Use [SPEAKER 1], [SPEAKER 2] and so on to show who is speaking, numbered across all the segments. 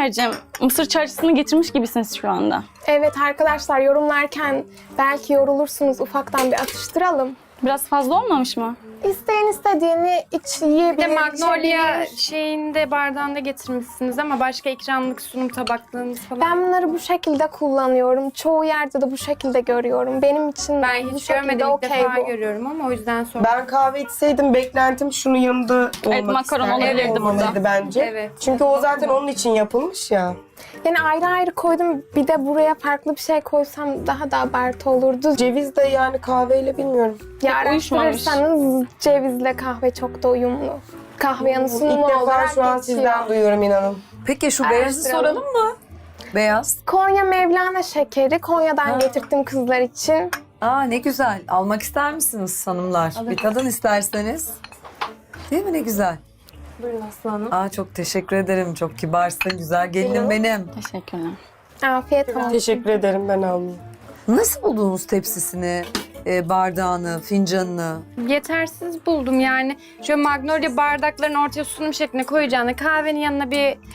[SPEAKER 1] Kübra'cığım, mısır çarşısını getirmiş gibisiniz şu anda.
[SPEAKER 2] Evet arkadaşlar, yorumlarken belki yorulursunuz, ufaktan bir atıştıralım.
[SPEAKER 1] Biraz fazla olmamış mı?
[SPEAKER 2] İsteyen istediğini yiyebilir.
[SPEAKER 3] Bir de Magnolia
[SPEAKER 2] içebilir.
[SPEAKER 3] şeyinde bardağında getirmişsiniz ama başka ikramlık sunum tabaklarınız falan.
[SPEAKER 2] Ben bunları bu şekilde kullanıyorum. Çoğu yerde de bu şekilde görüyorum. Benim için
[SPEAKER 3] Ben
[SPEAKER 2] bu
[SPEAKER 3] hiç
[SPEAKER 2] şekilde
[SPEAKER 3] görmedim, ilk
[SPEAKER 2] okey
[SPEAKER 3] defa
[SPEAKER 2] bu.
[SPEAKER 3] görüyorum ama o yüzden sordum.
[SPEAKER 4] Ben kahve içseydim beklentim şunun yanında olmak
[SPEAKER 1] makaron
[SPEAKER 4] isterdim.
[SPEAKER 1] olabilirdi
[SPEAKER 4] Olmalıydı
[SPEAKER 1] burada.
[SPEAKER 4] bence.
[SPEAKER 3] Evet.
[SPEAKER 4] Çünkü o zaten onun için yapılmış ya.
[SPEAKER 2] Yani ayrı ayrı koydum. Bir de buraya farklı bir şey koysam daha da abartı olurdu.
[SPEAKER 4] Ceviz de yani kahveyle bilmiyorum.
[SPEAKER 2] Ya
[SPEAKER 1] uyuşmamış.
[SPEAKER 2] araştırırsanız cevizle kahve çok da uyumlu. Kahve yanı sunumu
[SPEAKER 4] İlk defa
[SPEAKER 2] olarak
[SPEAKER 4] şu an
[SPEAKER 2] geçiyor.
[SPEAKER 4] sizden duyuyorum inanın.
[SPEAKER 5] Peki şu beyazı
[SPEAKER 2] Araştıralım.
[SPEAKER 5] soralım mı? Beyaz.
[SPEAKER 2] Konya Mevlana şekeri. Konya'dan getirttim kızlar için.
[SPEAKER 5] Aa ne güzel. Almak ister misiniz hanımlar? Bir tadın isterseniz. Değil mi ne güzel?
[SPEAKER 2] Buyurun Aslı Hanım.
[SPEAKER 5] Aa çok teşekkür ederim. Çok kibarsın. Güzel gelinim benim.
[SPEAKER 1] Teşekkürler.
[SPEAKER 2] Afiyet olsun.
[SPEAKER 4] Teşekkür ederim, ben almayayım.
[SPEAKER 5] Nasıl buldunuz tepsisini, bardağını, fincanını?
[SPEAKER 3] Yetersiz buldum yani. Şöyle Magnolia bardakların ortaya sunum şekline koyacağına kahvenin yanına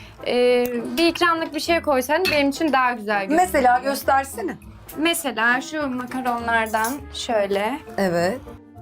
[SPEAKER 3] bir ikramlık bir şey koysan benim için daha güzel görünür.
[SPEAKER 5] Mesela göstersene.
[SPEAKER 3] Mesela şu makaronlardan
[SPEAKER 5] Evet.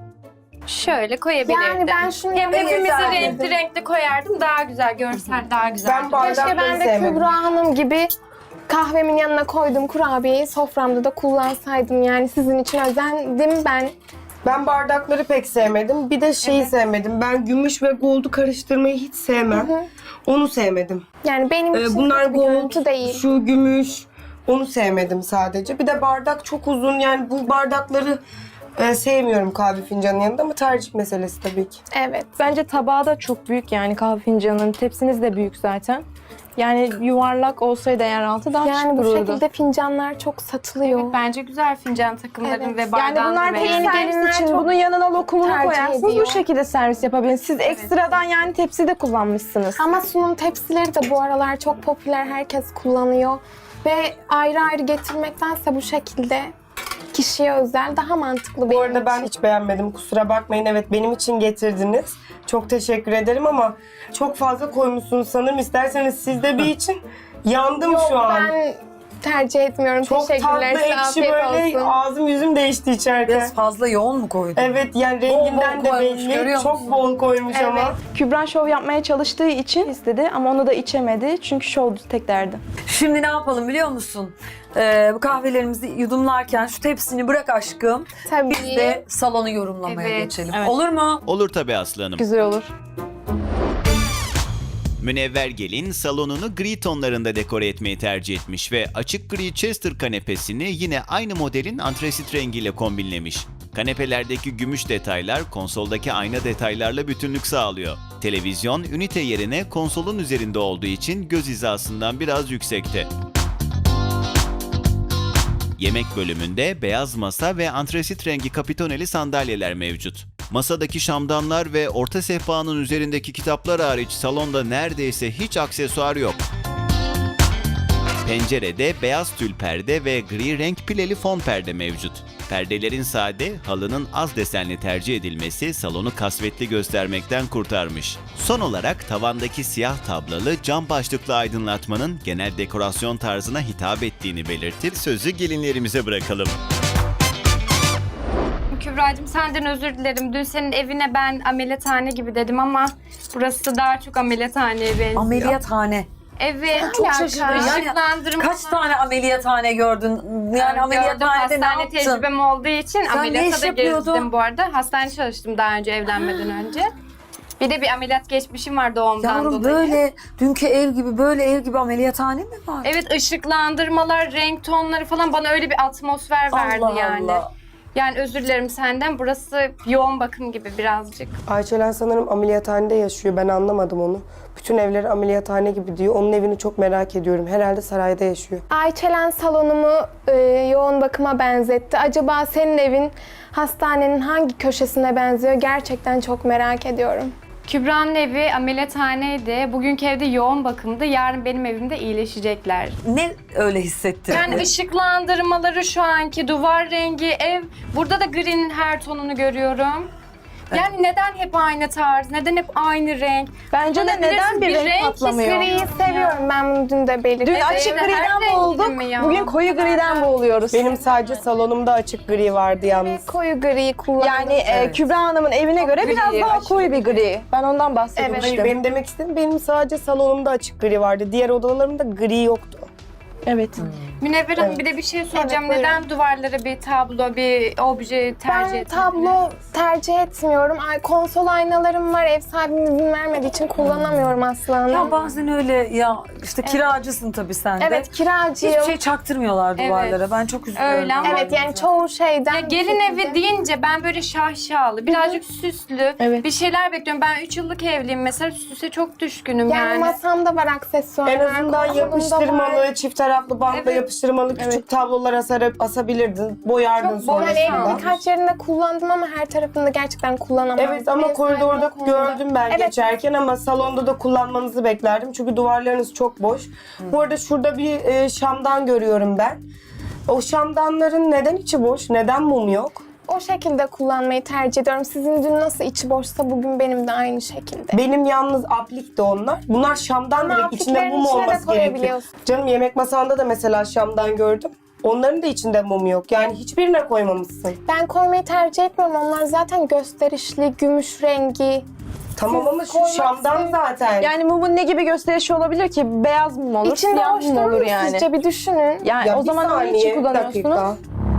[SPEAKER 3] şöyle koyabilirdim.
[SPEAKER 2] Yani ben şunu
[SPEAKER 3] Hem
[SPEAKER 2] yapmak
[SPEAKER 3] hepimizi
[SPEAKER 2] isterdim.
[SPEAKER 3] renkli renkli koyardım, daha güzel, görsel daha güzel.
[SPEAKER 4] Ben
[SPEAKER 2] Keşke
[SPEAKER 4] bardakları
[SPEAKER 2] ben de
[SPEAKER 4] sevmedim.
[SPEAKER 2] Kübra Hanım gibi kahvemin yanına koyduğum kurabiyeyi soframda da kullansaydım. Yani sizin için özendim ben.
[SPEAKER 4] Ben bardakları pek sevmedim. Bir de şeyi sevmedim. Ben gümüş ve gold'u karıştırmayı hiç sevmem. Onu sevmedim.
[SPEAKER 2] Yani benim için
[SPEAKER 4] Bunlar
[SPEAKER 2] kötü bir görüntü
[SPEAKER 4] gold,
[SPEAKER 2] değil.
[SPEAKER 4] şu gümüş. Onu sevmedim sadece. Bir de bardak çok uzun. Yani bu bardakları sevmiyorum kahve fincanının yanında ama tercih meselesi tabii ki.
[SPEAKER 2] Evet.
[SPEAKER 6] Bence tabağı da çok büyük, yani kahve fincanının. Tepsiniz de büyük zaten. Yani yuvarlak olsaydı eğer altı daha şık
[SPEAKER 2] Yani bu
[SPEAKER 6] dururdu.
[SPEAKER 2] şekilde fincanlar çok satılıyor.
[SPEAKER 3] Evet, bence güzel fincan takımların
[SPEAKER 2] Evet.
[SPEAKER 3] ve
[SPEAKER 6] Yani
[SPEAKER 3] bardağın
[SPEAKER 6] bunlar
[SPEAKER 3] da
[SPEAKER 6] tek
[SPEAKER 3] beğendim.
[SPEAKER 2] gelinler
[SPEAKER 6] servis için
[SPEAKER 2] çok
[SPEAKER 6] bunun yanına lokumunu
[SPEAKER 2] tercih
[SPEAKER 6] koyarsınız.
[SPEAKER 2] ediyor.
[SPEAKER 6] Bu şekilde servis yapabilirsiniz. Siz ekstradan yani tepsi de kullanmışsınız.
[SPEAKER 2] Ama sunum tepsileri de bu aralar çok popüler. Herkes kullanıyor. Ve ayrı ayrı getirmektense bu şekilde kişiye özel daha mantıklı
[SPEAKER 4] Bu
[SPEAKER 2] benim
[SPEAKER 4] arada ben
[SPEAKER 2] için.
[SPEAKER 4] hiç beğenmedim. Kusura bakmayın. Evet, benim için getirdiniz. Çok teşekkür ederim ama çok fazla koymuşsunuz sanırım. İsterseniz siz de bir için. Yandım şu an.
[SPEAKER 2] Ben tercih etmiyorum.
[SPEAKER 4] Çok
[SPEAKER 2] Teşekkürler.
[SPEAKER 4] tatlı,
[SPEAKER 2] Size
[SPEAKER 4] ekşi
[SPEAKER 2] afiyet
[SPEAKER 4] böyle
[SPEAKER 2] olsun.
[SPEAKER 4] ağzım yüzüm değişti içeride.
[SPEAKER 5] Biraz fazla yoğun mu koydun?
[SPEAKER 4] Evet, yani renginden
[SPEAKER 5] bol
[SPEAKER 4] de
[SPEAKER 5] koymuş,
[SPEAKER 4] belli.
[SPEAKER 5] görüyor
[SPEAKER 4] Çok
[SPEAKER 5] musun?
[SPEAKER 4] bol koymuş
[SPEAKER 2] Evet.
[SPEAKER 4] ama.
[SPEAKER 6] Kübra şov yapmaya çalıştığı için istedi ama onu da içemedi. Çünkü şov tek derdi.
[SPEAKER 5] Şimdi ne yapalım biliyor musun? Bu kahvelerimizi yudumlarken şu tepsini bırak aşkım.
[SPEAKER 2] Tabii.
[SPEAKER 5] Biz de salonu yorumlamaya
[SPEAKER 3] Evet.
[SPEAKER 5] geçelim.
[SPEAKER 1] Evet.
[SPEAKER 5] Olur mu?
[SPEAKER 7] Olur tabii Aslı Hanım.
[SPEAKER 6] Güzel olur.
[SPEAKER 7] Münevver gelin salonunu gri tonlarında dekore etmeyi tercih etmiş ve açık gri Chester kanepesini yine aynı modelin antresit rengiyle kombinlemiş. Kanepelerdeki gümüş detaylar konsoldaki ayna detaylarla bütünlük sağlıyor. Televizyon ünite yerine konsolun üzerinde olduğu için göz hizasından biraz yüksekte. Yemek bölümünde beyaz masa ve antresit rengi kapitoneli sandalyeler mevcut. Masadaki şamdanlar ve orta sehpanın üzerindeki kitaplar hariç salonda neredeyse hiç aksesuar yok. Pencerede beyaz tül perde ve gri renk pileli fon perde mevcut. Perdelerin sade, halının az desenli tercih edilmesi salonu kasvetli göstermekten kurtarmış. Son olarak tavandaki siyah tablalı cam başlıklı aydınlatmanın genel dekorasyon tarzına hitap ettiğini belirtip sözü gelinlerimize bırakalım.
[SPEAKER 3] Kübra'cığım senden özür dilerim. Dün senin evine ben ameliyathane gibi dedim ama burası daha çok ameliyathaneye benziyor.
[SPEAKER 5] Ameliyathane.
[SPEAKER 3] Evet.
[SPEAKER 5] Çok şaşırdım. Yani
[SPEAKER 3] Işıklandırma.
[SPEAKER 5] kaç tane ameliyathane gördün? Yani ameliyathanede ne
[SPEAKER 3] hastane
[SPEAKER 5] yaptın?
[SPEAKER 3] tecrübem olduğu için
[SPEAKER 5] Sen ne
[SPEAKER 3] ameliyata
[SPEAKER 5] iş
[SPEAKER 3] da
[SPEAKER 5] yapıyordun?
[SPEAKER 3] gezdim bu arada. Hastane çalıştım daha önce evlenmeden önce. Bir de bir ameliyat geçmişim var doğumdan
[SPEAKER 5] Yavrum
[SPEAKER 3] dolayı.
[SPEAKER 5] böyle dünkü ev gibi böyle ev gibi ameliyathane mi var?
[SPEAKER 3] Evet, ışıklandırmalar, renk tonları falan bana öyle bir atmosfer verdi
[SPEAKER 5] Allah
[SPEAKER 3] yani.
[SPEAKER 5] Allah.
[SPEAKER 3] Yani özür dilerim senden. Burası yoğun bakım gibi birazcık.
[SPEAKER 4] Ayçelen sanırım ameliyathanede yaşıyor. Ben anlamadım onu. Bütün evleri ameliyathane gibi diyor. Onun evini çok merak ediyorum. Herhalde sarayda yaşıyor.
[SPEAKER 2] Ayçelen salonumu yoğun bakıma benzetti. Acaba senin evin hastanenin hangi köşesine benziyor? Gerçekten çok merak ediyorum.
[SPEAKER 3] Kübra'nın evi ameliyathaneydi. Bugünkü evde yoğun bakımdı. Yarın benim evimde iyileşecekler.
[SPEAKER 5] Ne öyle hissettirdin?
[SPEAKER 3] Yani ışıklandırmaları şu anki duvar rengi ev. Burada da green'in her tonunu görüyorum. Yani neden hep aynı tarz? Neden hep aynı renk?
[SPEAKER 6] Bence de
[SPEAKER 3] Bulabilirsin,
[SPEAKER 6] neden bir renk patlamıyor?
[SPEAKER 2] Griyi seviyorum ben bunu dün de belirttim.
[SPEAKER 6] Dün açık
[SPEAKER 3] her
[SPEAKER 6] griden
[SPEAKER 3] rengini
[SPEAKER 6] boğulduk,
[SPEAKER 3] mi ya?
[SPEAKER 6] bugün koyu griden boğuluyoruz.
[SPEAKER 4] Benim sadece salonumda açık gri vardı yalnız.
[SPEAKER 2] Koyu griyi kullandım.
[SPEAKER 6] Yani
[SPEAKER 5] Evet.
[SPEAKER 6] Kübra Hanım'ın evine göre biraz
[SPEAKER 5] Gri,
[SPEAKER 6] daha
[SPEAKER 5] aşırı
[SPEAKER 6] koyu bir gri. Ben ondan bahsediyorum
[SPEAKER 2] Evet.
[SPEAKER 4] Hayır,
[SPEAKER 6] işte.
[SPEAKER 4] benim demek istediğim benim sadece salonumda açık gri vardı. Diğer odalarımda gri yoktu.
[SPEAKER 6] Evet.
[SPEAKER 3] Münevver Hanım
[SPEAKER 4] Evet.
[SPEAKER 3] bir de bir şey soracağım.
[SPEAKER 2] Evet,
[SPEAKER 3] Neden duvarlara bir tablo, bir obje tercih
[SPEAKER 2] Ben
[SPEAKER 3] etmediniz?
[SPEAKER 2] tablo tercih etmiyorum. Konsol aynalarım var. Ev sahibim izin vermediği için kullanamıyorum aslında.
[SPEAKER 5] Ya bazen öyle ya işte kiracısın tabii sen de.
[SPEAKER 2] Evet, kiracıyım.
[SPEAKER 5] Hiçbir şey çaktırmıyorlar
[SPEAKER 3] Evet.
[SPEAKER 5] duvarlara. Ben çok üzülüyorum.
[SPEAKER 3] Öyle ama-
[SPEAKER 2] Evet, yani çoğu şeyden...
[SPEAKER 3] Ya gelin evi deyince ben böyle şahşalı, birazcık süslü
[SPEAKER 6] Evet.
[SPEAKER 3] bir şeyler bekliyorum. Ben 3 yıllık evliyim mesela, süse çok düşkünüm
[SPEAKER 2] Yani
[SPEAKER 3] yani.
[SPEAKER 2] masamda var aksesuarlar.
[SPEAKER 4] En azından
[SPEAKER 2] konsolumda var.
[SPEAKER 4] yapıştırmalı, çift taraflı bantla
[SPEAKER 3] Evet.
[SPEAKER 4] yapıştırmalı küçük tablolar asabilirdin. Boyardın
[SPEAKER 3] Çok
[SPEAKER 4] sonra.
[SPEAKER 2] Yani evin
[SPEAKER 3] Boşalmış.
[SPEAKER 2] birkaç yerinde kullandım ama her tarafında gerçekten kullanamadım.
[SPEAKER 4] Evet ama
[SPEAKER 2] Ev
[SPEAKER 4] koridorda
[SPEAKER 2] sahibine kullandım.
[SPEAKER 4] gördüm ben
[SPEAKER 2] Evet.
[SPEAKER 4] geçerken ama salonda da kullanmanızı beklerdim. Çünkü duvarlarınız çok boş. Bu arada şurada bir şamdan görüyorum ben. O şamdanların neden içi boş? Neden mum yok?
[SPEAKER 2] O şekilde kullanmayı tercih ediyorum. Sizin dün nasıl içi boşsa bugün benim de aynı şekilde.
[SPEAKER 4] Benim yalnız aplikti onlar. Bunlar şamdan
[SPEAKER 2] Ama
[SPEAKER 4] direkt. İçinde
[SPEAKER 2] apliklerin
[SPEAKER 4] mum
[SPEAKER 2] içine de
[SPEAKER 4] olması gerekiyor.
[SPEAKER 2] koyabiliyorsun.
[SPEAKER 4] Canım yemek masanda da mesela şamdan gördüm. Onların da içinde mum yok. Yani hiçbirine koymamışsın.
[SPEAKER 2] Ben koymayı tercih etmiyorum. Onlar zaten gösterişli, gümüş rengi.
[SPEAKER 4] Tamam ama şu
[SPEAKER 2] koymak
[SPEAKER 4] şamdan
[SPEAKER 2] istemiyorum.
[SPEAKER 4] zaten.
[SPEAKER 6] Yani mumun ne gibi gösterişi olabilir ki? Beyaz mum olur,
[SPEAKER 2] İçinde
[SPEAKER 6] siyah
[SPEAKER 2] hoş
[SPEAKER 6] mum
[SPEAKER 2] durur
[SPEAKER 6] olur
[SPEAKER 2] mu
[SPEAKER 6] yani.
[SPEAKER 2] sizce? Bir düşünün.
[SPEAKER 6] Yani
[SPEAKER 4] Ya
[SPEAKER 6] o
[SPEAKER 4] bir
[SPEAKER 6] zaman onun
[SPEAKER 4] saniye,
[SPEAKER 6] için
[SPEAKER 4] bir
[SPEAKER 6] kullanıyorsunuz.
[SPEAKER 4] dakika.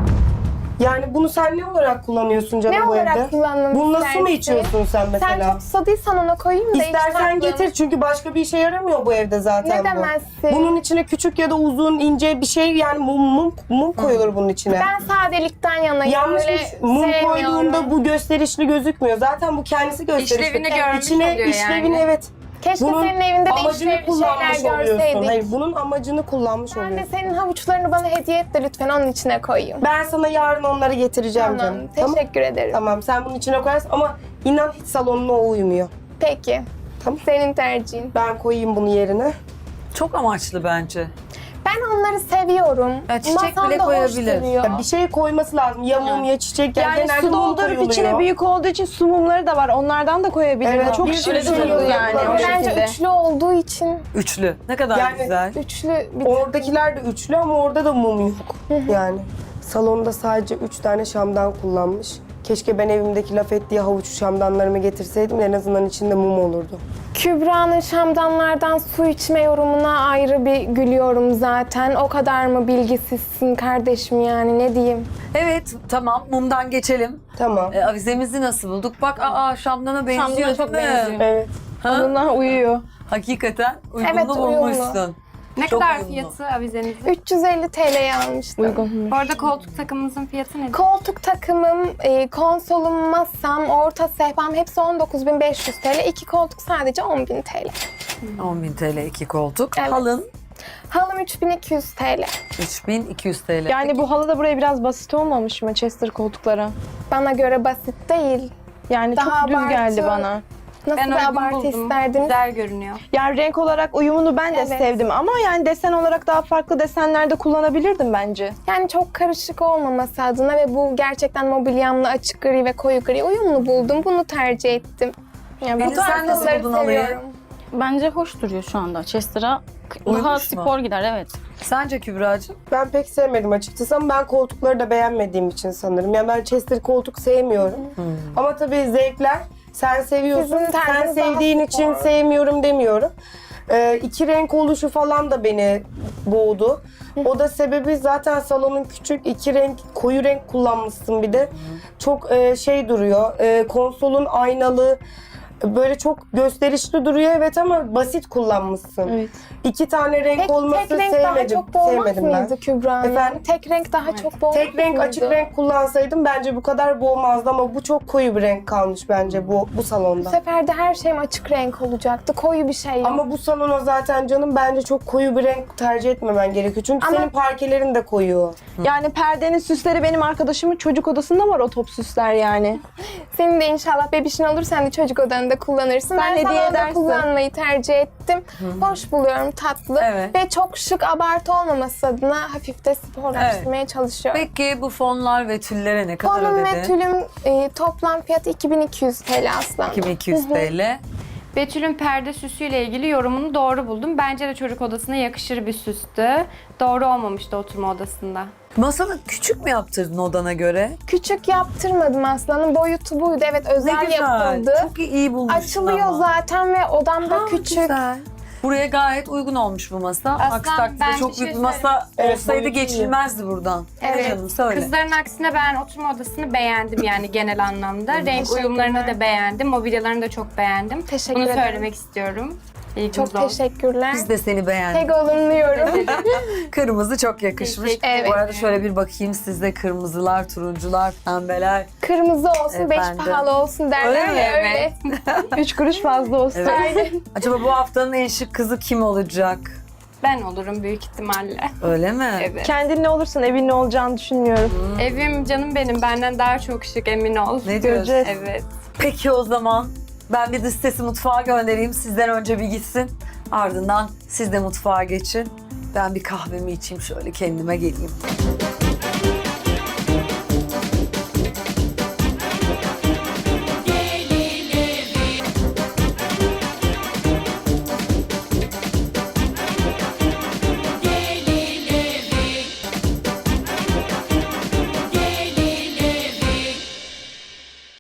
[SPEAKER 4] Yani bunu sen ne olarak kullanıyorsun canım
[SPEAKER 2] Ne
[SPEAKER 4] bu
[SPEAKER 2] olarak
[SPEAKER 4] evde?
[SPEAKER 2] kullanmamı
[SPEAKER 4] Bunu nasıl mı
[SPEAKER 2] istersin?
[SPEAKER 4] içiyorsun sen
[SPEAKER 2] Sen
[SPEAKER 4] mesela?
[SPEAKER 2] çok susadıysan ona koyayım da
[SPEAKER 4] İstersen
[SPEAKER 2] iç tatlım.
[SPEAKER 4] getir çünkü başka bir işe yaramıyor bu evde zaten
[SPEAKER 2] Ne
[SPEAKER 4] bu.
[SPEAKER 2] demezsin?
[SPEAKER 4] Bunun içine küçük ya da uzun, ince bir şey yani mum koyulur bunun içine.
[SPEAKER 2] Ben sadelikten yanayım.
[SPEAKER 4] Yanlış
[SPEAKER 2] Öyle
[SPEAKER 4] mum
[SPEAKER 2] sevmiyorum.
[SPEAKER 4] koyduğunda bu gösterişli gözükmüyor. Zaten bu kendisi gösterişli.
[SPEAKER 3] İşlevini görmüş
[SPEAKER 4] İçine,
[SPEAKER 3] oluyor
[SPEAKER 4] işlevini
[SPEAKER 3] yani.
[SPEAKER 4] evet.
[SPEAKER 2] Keşke
[SPEAKER 4] Bunun
[SPEAKER 2] senin evinde de
[SPEAKER 4] amacını
[SPEAKER 2] işlevli
[SPEAKER 4] kullanmış
[SPEAKER 2] şeyler
[SPEAKER 4] oluyorsun.
[SPEAKER 2] görseydik.
[SPEAKER 4] Hayır, bunun amacını kullanmış
[SPEAKER 2] Ben de
[SPEAKER 4] oluyorsun.
[SPEAKER 2] senin havuçlarını bana hediye et de lütfen onun içine koyayım.
[SPEAKER 4] Ben sana yarın onları getireceğim
[SPEAKER 2] Tamam,
[SPEAKER 4] canım.
[SPEAKER 2] teşekkür ederim.
[SPEAKER 4] Tamam, sen bunun içine koyarsın ama inan hiç salonuna o uymuyor.
[SPEAKER 2] Peki.
[SPEAKER 4] Tamam.
[SPEAKER 2] Senin tercihin.
[SPEAKER 4] Ben koyayım bunu yerine.
[SPEAKER 5] Çok amaçlı bence.
[SPEAKER 2] Ben onları seviyorum.
[SPEAKER 5] Ya çiçek
[SPEAKER 2] Masamda
[SPEAKER 5] bile
[SPEAKER 2] hoş
[SPEAKER 5] koyabilir.
[SPEAKER 2] duruyor.
[SPEAKER 4] Ya bir şey koyması lazım. Ya mum ya çiçek.
[SPEAKER 6] Yani
[SPEAKER 4] genelde
[SPEAKER 6] su
[SPEAKER 4] mum
[SPEAKER 6] doldurup
[SPEAKER 4] koyuluyor.
[SPEAKER 6] içine büyük olduğu için su mumları da var. Onlardan da koyabilir.
[SPEAKER 4] Evet,
[SPEAKER 6] Çok
[SPEAKER 4] bir
[SPEAKER 6] şirin
[SPEAKER 4] sürü şey
[SPEAKER 6] durdu
[SPEAKER 4] yok.
[SPEAKER 6] yani o
[SPEAKER 2] Bence
[SPEAKER 6] şekilde.
[SPEAKER 2] üçlü olduğu için
[SPEAKER 5] Üçlü. Ne kadar
[SPEAKER 4] Yani-
[SPEAKER 5] güzel.
[SPEAKER 2] üçlü bir
[SPEAKER 4] Oradakiler de üçlü ama orada da mum yok. Yani salonda sadece 3 tane şamdan kullanmış. Keşke ben evimdeki laf ettiği havuç şamdanlarımı getirseydim en azından içinde mum olurdu.
[SPEAKER 2] Kübra'nın şamdanlardan su içme yorumuna ayrı bir gülüyorum zaten. O kadar mı bilgisizsin kardeşim yani ne diyeyim.
[SPEAKER 5] Evet tamam mumdan geçelim.
[SPEAKER 4] Tamam.
[SPEAKER 5] Avizemizi nasıl bulduk? Bak şamdana benziyor
[SPEAKER 1] Şamdana çok
[SPEAKER 5] değil mi?
[SPEAKER 1] benziyor.
[SPEAKER 4] Evet.
[SPEAKER 6] Onunla uyuyor.
[SPEAKER 5] Hakikaten uygunlu
[SPEAKER 2] Evet, uyumlu.
[SPEAKER 5] bulmuşsun.
[SPEAKER 3] Ne
[SPEAKER 5] Çok
[SPEAKER 3] kadar
[SPEAKER 5] uyumlu.
[SPEAKER 3] fiyatı avizenizin?
[SPEAKER 2] 350 TL'ye almıştım.
[SPEAKER 6] Uygun.
[SPEAKER 3] Bu arada koltuk takımımızın fiyatı nedir?
[SPEAKER 2] Koltuk takımım, konsolum, masam, orta sehpam hepsi 19.500 TL. 2 koltuk sadece 10.000 TL.
[SPEAKER 5] 10.000 TL 2 koltuk.
[SPEAKER 2] Evet.
[SPEAKER 5] Halın
[SPEAKER 2] Halım 3200 TL.
[SPEAKER 5] 3200 TL.
[SPEAKER 6] Yani bu halı da buraya biraz basit olmamış mı Chester koltuklara?
[SPEAKER 2] Bana göre basit değil.
[SPEAKER 6] Yani
[SPEAKER 2] Daha
[SPEAKER 6] çok düz
[SPEAKER 2] abartı.
[SPEAKER 6] geldi bana.
[SPEAKER 2] Nasıl
[SPEAKER 3] Ben
[SPEAKER 2] bir
[SPEAKER 3] uygun
[SPEAKER 2] abartı
[SPEAKER 3] buldum.
[SPEAKER 2] isterdiniz?
[SPEAKER 3] Güzel görünüyor.
[SPEAKER 6] Yani renk olarak uyumunu ben de
[SPEAKER 2] Evet.
[SPEAKER 6] sevdim ama yani desen olarak daha farklı desenlerde kullanabilirdim bence.
[SPEAKER 2] Yani çok karışık olmaması adına ve bu gerçekten mobilyamla açık gri ve koyu gri uyumlu buldum. Bunu tercih ettim.
[SPEAKER 6] Yani
[SPEAKER 5] Pelin,
[SPEAKER 6] bu
[SPEAKER 5] sen nasıl
[SPEAKER 2] Bunları
[SPEAKER 5] buldun halıyı?
[SPEAKER 2] seviyorum.
[SPEAKER 1] Bence hoş duruyor şu anda. Chester'a daha
[SPEAKER 5] Uyumuş mu?
[SPEAKER 1] spor gider evet.
[SPEAKER 5] Sence Kübra'cığım?
[SPEAKER 4] Ben pek sevmedim açıkçası ama ben koltukları da beğenmediğim için sanırım. Yani ben Chester koltuk sevmiyorum. Ama tabii zevkler sen seviyorsun.
[SPEAKER 2] Sizin
[SPEAKER 4] Sen
[SPEAKER 2] tarzınız daha
[SPEAKER 4] sevdiğin için
[SPEAKER 2] spor.
[SPEAKER 4] sevmiyorum demiyorum. İki renk oluşu falan da beni boğdu. O da sebebi zaten salonun küçük, iki renk, koyu renk kullanmışsın bir de. Çok şey duruyor, konsolun aynalı, böyle çok gösterişli duruyor evet ama basit kullanmışsın.
[SPEAKER 6] Evet.
[SPEAKER 4] İki tane renk olması
[SPEAKER 2] tek renk daha
[SPEAKER 4] sevmedim.
[SPEAKER 2] çok boğmaz
[SPEAKER 4] Sevmedim ben.
[SPEAKER 2] mıydı Kübra?
[SPEAKER 4] Efendim?
[SPEAKER 2] Tek renk daha çok boğmaz
[SPEAKER 4] Tek renk,
[SPEAKER 2] mıydı?
[SPEAKER 4] açık renk kullansaydım bence bu kadar boğmazdı ama bu çok koyu bir renk kalmış bence bu
[SPEAKER 2] Bu
[SPEAKER 4] salonda.
[SPEAKER 2] sefer de her şeyim açık renk olacaktı. Koyu bir şey yok.
[SPEAKER 4] Ama bu salona zaten canım bence çok koyu bir renk tercih etmemen gerekiyor. Çünkü
[SPEAKER 2] Ama-
[SPEAKER 4] senin parkelerin de koyu.
[SPEAKER 6] Yani perdenin süsleri benim arkadaşımın çocuk odasında var o top süsler yani.
[SPEAKER 2] Senin de inşallah bebişin olur sen de çocuk odanda salonda kullanırsın.
[SPEAKER 6] Sen
[SPEAKER 2] Ben
[SPEAKER 6] hediye
[SPEAKER 2] salonda
[SPEAKER 6] edersin.
[SPEAKER 2] kullanmayı tercih ettim. Hoş buluyorum, tatlı.
[SPEAKER 5] Evet.
[SPEAKER 2] Ve çok şık, abartı olmaması adına hafif de sporlaştırmaya çalışıyorum.
[SPEAKER 5] Peki bu fonlar ve tüllere ne kadar
[SPEAKER 2] Fonum
[SPEAKER 5] ödedin?
[SPEAKER 2] ve tülüm toplam fiyatı 2200 TL aslında.
[SPEAKER 5] 2200 TL.
[SPEAKER 3] Betül'ün perde süsüyle ilgili yorumunu doğru buldum. Bence de çocuk odasına yakışır bir süstü. Doğru olmamıştı oturma odasında.
[SPEAKER 5] Masanı küçük mü yaptırdın odana göre?
[SPEAKER 2] Küçük yaptırmadım aslanın. Boyutu buydu. Evet, özel
[SPEAKER 5] Ne güzel.
[SPEAKER 2] yapıldı.
[SPEAKER 5] Çok iyi bulmuşsun
[SPEAKER 2] Açılıyor
[SPEAKER 5] ama.
[SPEAKER 2] zaten ve odamda
[SPEAKER 5] Ha,
[SPEAKER 2] küçük.
[SPEAKER 5] güzel. Buraya gayet uygun olmuş bu masa.
[SPEAKER 3] Aslan,
[SPEAKER 5] Aksi takdirde
[SPEAKER 3] ben
[SPEAKER 5] çok
[SPEAKER 3] bir şey
[SPEAKER 5] büyük bir masa
[SPEAKER 4] Evet,
[SPEAKER 5] olsaydı
[SPEAKER 4] boyutu iyi.
[SPEAKER 5] geçilmezdi buradan.
[SPEAKER 2] Evet.
[SPEAKER 5] Canım söyle.
[SPEAKER 3] Kızların aksine ben oturma odasını beğendim yani genel anlamda. Renk
[SPEAKER 2] Teşekkürler.
[SPEAKER 3] uyumlarını da beğendim. Mobilyalarını da çok beğendim.
[SPEAKER 2] Teşekkür
[SPEAKER 3] Bunu
[SPEAKER 2] ederim.
[SPEAKER 3] söylemek istiyorum. İyi
[SPEAKER 2] Çok
[SPEAKER 3] gününüz olsun.
[SPEAKER 2] teşekkürler.
[SPEAKER 5] Biz de seni beğendik.
[SPEAKER 2] Pek olumluyorum.
[SPEAKER 5] Kırmızı çok yakışmış.
[SPEAKER 3] Teşekkür
[SPEAKER 2] ederim.
[SPEAKER 5] Bu arada şöyle bir bakayım sizde kırmızılar, turuncular, pembeler.
[SPEAKER 2] Kırmızı olsun, beş
[SPEAKER 5] Efendim.
[SPEAKER 2] pahalı olsun derler
[SPEAKER 5] Öyle
[SPEAKER 2] ya,
[SPEAKER 5] mi?
[SPEAKER 2] öyle.
[SPEAKER 6] 3 kuruş fazla olsun.
[SPEAKER 5] Evet.
[SPEAKER 2] Aynen.
[SPEAKER 5] Acaba bu haftanın en şık kızı kim olacak?
[SPEAKER 3] Ben olurum büyük ihtimalle.
[SPEAKER 5] Öyle mi?
[SPEAKER 3] Evet.
[SPEAKER 6] Kendin ne olursun evin ne olacağını düşünmüyorum.
[SPEAKER 3] Evim canım benim. Benden daha çok şık, emin ol.
[SPEAKER 5] Ne diyorsun?
[SPEAKER 6] Göreceğiz.
[SPEAKER 3] Evet.
[SPEAKER 5] Peki o zaman ben bir dış sesi mutfağa göndereyim. Sizden önce bir gitsin. Ardından siz de mutfağa geçin. Ben bir kahvemi içeyim, şöyle kendime geleyim.